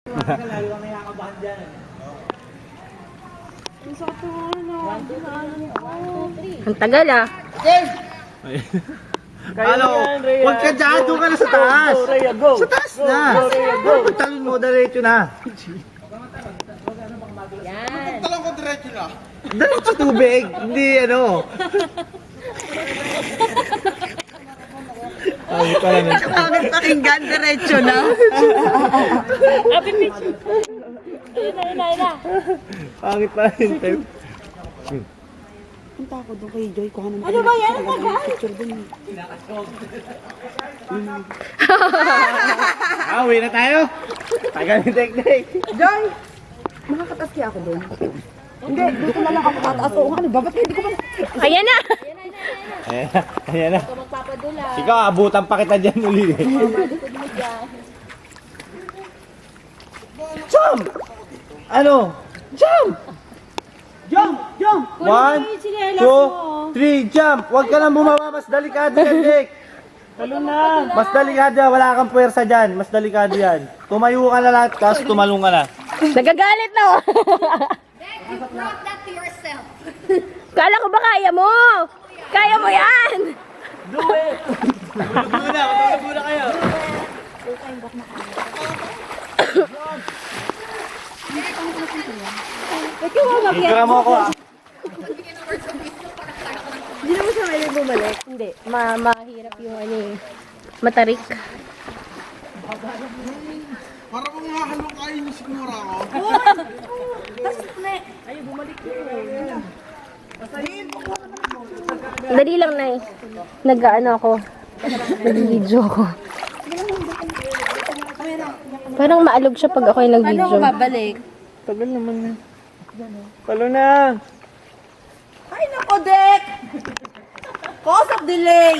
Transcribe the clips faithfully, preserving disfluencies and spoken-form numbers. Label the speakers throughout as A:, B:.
A: Lalo kang nakakabahan dyan.
B: Ang sakit ng ano. one, two, three.
C: Ang tagal ah.
A: Ano? Huwag ka dyan, doon ka na sa taas.
B: Go, Rhea, go.
A: Sa taas
B: Go,
A: na.
B: go, Rhea, go.
A: Pagtalon mo, diretso na.
C: Yan.
D: Talong ko diretso na.
A: Diretso tubig, hindi ano. Ay, pala na.
E: Bakit pakinggan diretso na?
C: Happy picture. Ayun na, ayun na, ayun na.
A: Pangit pa rin, Tem.
E: Punta ako doon kay Joy. Kuha naman.
C: Ano ba yan? Ano ba?
E: Picture doon.
A: Ah, uwi na tayo. Tagal ni Tek-Tek.
E: Joy! Makakatas kaya ako doon. Hindi, dito na lang ako tataas. Oo, ano ba? Ba't hindi ko ba?
C: Ayan na.
A: Ayan na, ayan na.
C: Ito magpapadula.
A: Ikaw, abutan pa kita dyan uli.
C: Malikod mo dyan.
A: Jump! Ano? Jump!
E: Jump! Jump!
A: One, two, three, jump! Huwag ka lang bumaba, mas delikado yan, Tek.
B: Talo na.
A: Mas delikado yan, wala kang puwersa dyan. Mas delikado yan. Tumayo ka na lang, tapos tumalong ka na.
C: Nagagalit na oh.
F: You brought that to yourself.
C: Kala ko ba kaya mo? Kaya mo yan.
B: Do it.
A: Matulog muna, matulog muna kayo.
C: Ikaw mo mag
A: Hingga mo ako ah.
C: Hindi naman siya may bumalik. Hindi. Ma mahirap yung ano eh. Matarik.
D: Para mong hahalong kayo ni Sigmura ako.
C: Dali lang na eh. Nag-ano ako. Nag-video ako. Parang maalog siya pag ako yung nag-video.
E: Ano babalik?
B: Tagal naman na. Talo na.
E: Ay, nako, Dek! Cause of delay!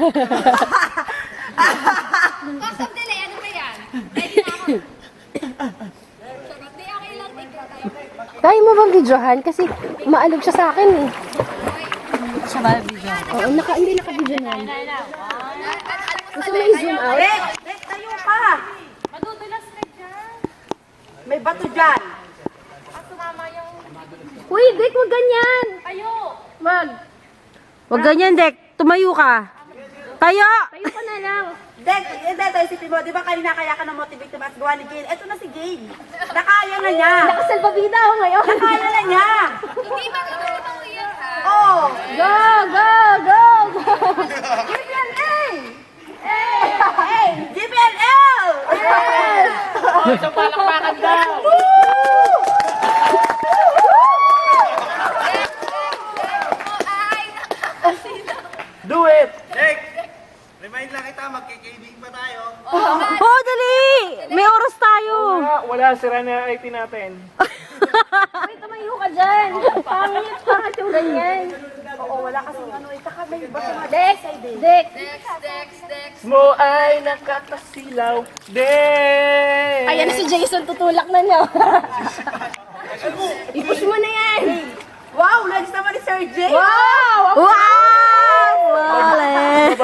F: Cause of delay, ano ba yan? Ready na ako. Charot, di okay lang. Take your time.
C: Kaya mo bang videohan? Kasi maalog siya sa akin eh.
E: Siya ba video?
C: Oo, naka, hindi naka-video na. Gusto mo i-zoom out?
E: Dek! Dek, tayo ka!
F: Madudulas ka dyan.
E: May bato dyan!
F: At sumama yung...
C: Uy, Dek, wag ganyan!
F: Ayo!
C: Wag!
E: Huwag ganyan, Dek. Tumayo ka. Tayo!
C: Tayo ka na lang.
E: Dek, hindi tayo isipin mo. Di ba kanina kaya ka na-motivate na mas gawa ni Gail? Eto na si Gail. Nakaya na niya.
C: Nakasalbabida ako ngayon.
E: Nakaya na niya.
F: Hindi ba ka ganito yan, ha?
E: Oh!
C: Go, go, go, go!
E: G P L A! Hey! G P L L!
B: Oh, isang palakpakan daw.
F: Ay, nakakasila.
B: Do it.
A: Tek! Remind lang kita, magkikibig pa tayo.
E: Oh, dali! May oras tayo.
B: Wala, wala sira na I P natin.
C: Uy, tumayo ka dyan. Pangit, pangit yung ganyan.
E: Oo, wala kasing ano. Itaka may bato na.
C: Dex, Dex.
F: Dex, Dex, Dex.
B: Mo ay nakakasilaw. Dek!
C: Ayan na si Jason, tutulak na niya. I-push mo na yan.
E: Wow! Next naman ni Sir J.
C: Wow!
E: Wow! Wale!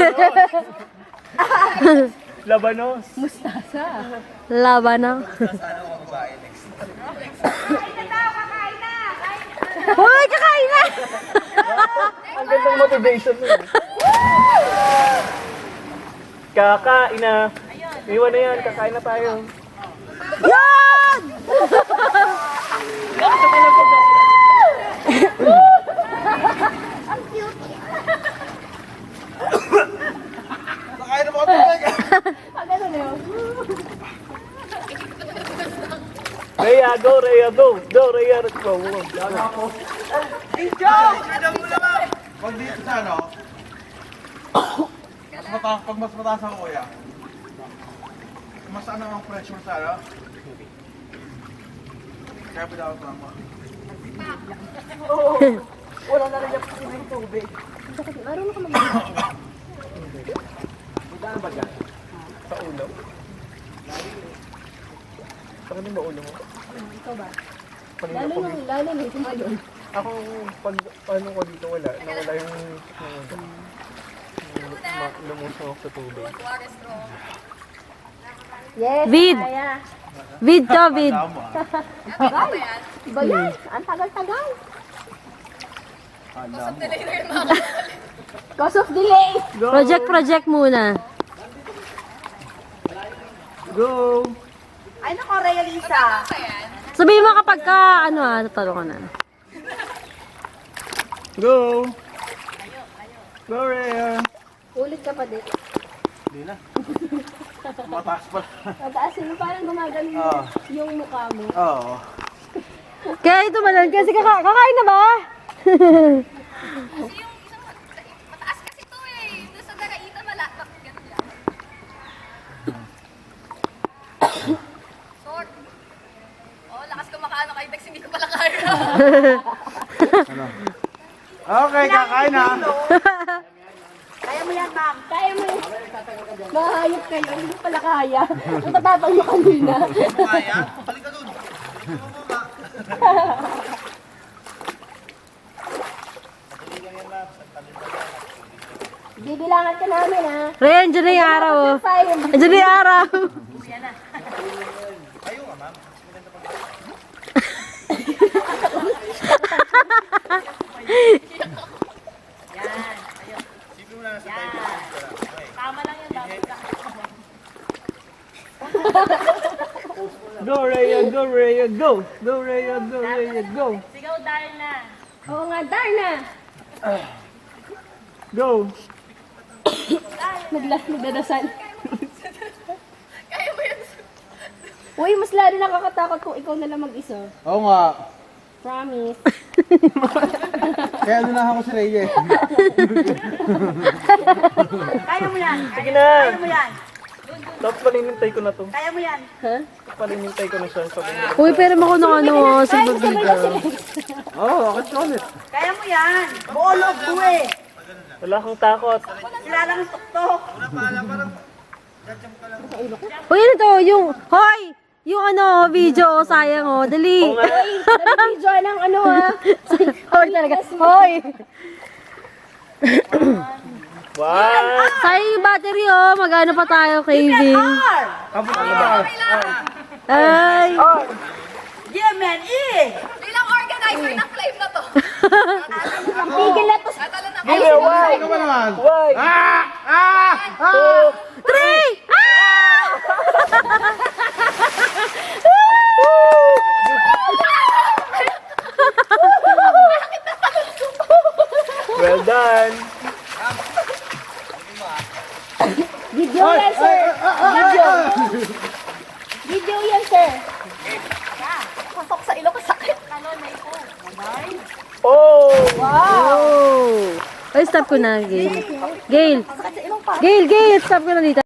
B: Labanos.
E: Laban na. Hoy, kakain na!
B: Ang gandang motivation mo. Kakain na. Iwan na yan, kakain na tayo.
E: Yan!
D: Nakaya na mga tubig.
B: Rhea, go, Rhea, go. Go, Rhea, let's go.
D: Pag dito sa ano, mas mataas, pag mas mataas ang kuya, mas ano ang pressure sa ano? Kaya pinawag ko lang mo.
B: Wala na rin yung tubig.
C: Marunong ka mag-
B: Saan ba dyan? Sa ulo? Saan din ba ulo mo?
C: Ikaw ba?
B: Kanina
C: Lalo
B: ko
C: nung, lalo nung tumayo.
B: Ako, pag ano ko dito wala, nawala yung yung, yung ma- lumusong ako sa tubig.
F: Water straw.
C: Yes,
E: Vid.
C: kaya. Vid to, vid.
F: Ba yan?
C: Ang tagal-tagal.
F: Delay na yun mga
C: Cause of delay. Project, project muna.
B: Go!
E: Ay, nako, Rhea Lisa.
C: Sabihin mo kapag ka, ano ah, natalo ka na.
B: Go! Go, Rhea!
C: Ulit ka pa din.
D: Hindi na. Mataas pa.
C: Pataasin mo, parang gumagano
D: Oo.
C: yung mukha mo.
D: Oo.
C: Kaya ito malan, kasi kaka kakain na ba?
F: Kasi yung isang mataas kasi to eh. Doon sa Daraita malapit. Ganun lang. Short. Oh, lakas ko makaano kay Dex, hindi ko pala kaya.
D: Okay, kakain na.
E: Kaya mo yan, ma'am.
C: Kaya mo yun. Mahayop kayo, hindi ko pala kaya. Ang tatapang mo kanina.
D: Kaya? Balik ka dun.
C: Bibilangan ka namin ha. Ren, dyan na yung araw oh. Dyan na yung araw.
B: Go, Rhea! Go, Rhea! Go! Go, Rhea! Go, Rhea! Go!
C: Oo nga, Darna.
B: Go!
C: Naglas, nagdadasal.
F: Kaya mo yun.
C: Uy, mas lalo nakakatakot kung ikaw na lang mag-isa.
D: Oo nga.
C: Promise.
D: Kaya lunahan ko si Reyes.
E: Kaya mo yan.
B: Sige na!
E: Kaya mo yan.
B: Tapos palinintay ko na to.
E: Kaya mo yan.
C: Ha?
B: Palinintay ko na siya. Sabi niya.
C: Uy, pero ako ng ano, oh, sa bibida.
D: Oo, oh, bakit ka ulit?
E: Kaya mo yan. Buo loob ko eh.
B: Wala kang takot.
E: Sila lang ang tuktok.
C: Uy, ano to? Yung, hoy! Yung ano, video, oh, sayang oh. Dali.
B: Oo nga.
C: Uy, video ng ano ah. Hoy talaga. Hoy!
B: Wow!
C: Sayang yung battery oh. Mag-ano pa tayo, craving.
E: R.
D: Kapot ka ba?
C: Ay!
E: Yeah, man. E.
F: Bilang organizer ng claim na to.
C: Pigil na to.
F: Atala na
B: Give me a why!
D: Ano ba naman?
B: Why?
D: Ah! Ah!
B: Two!
C: Three! Ah!
B: Well done!
C: Video yan, sir. Video. Video yan, sir.
F: pasok sa ilong ko sakit. Ano, may po.
B: Oh!
C: Wow! Ay, stop ko na, Gail. Gail! Gail, Gail, stop ko na dito.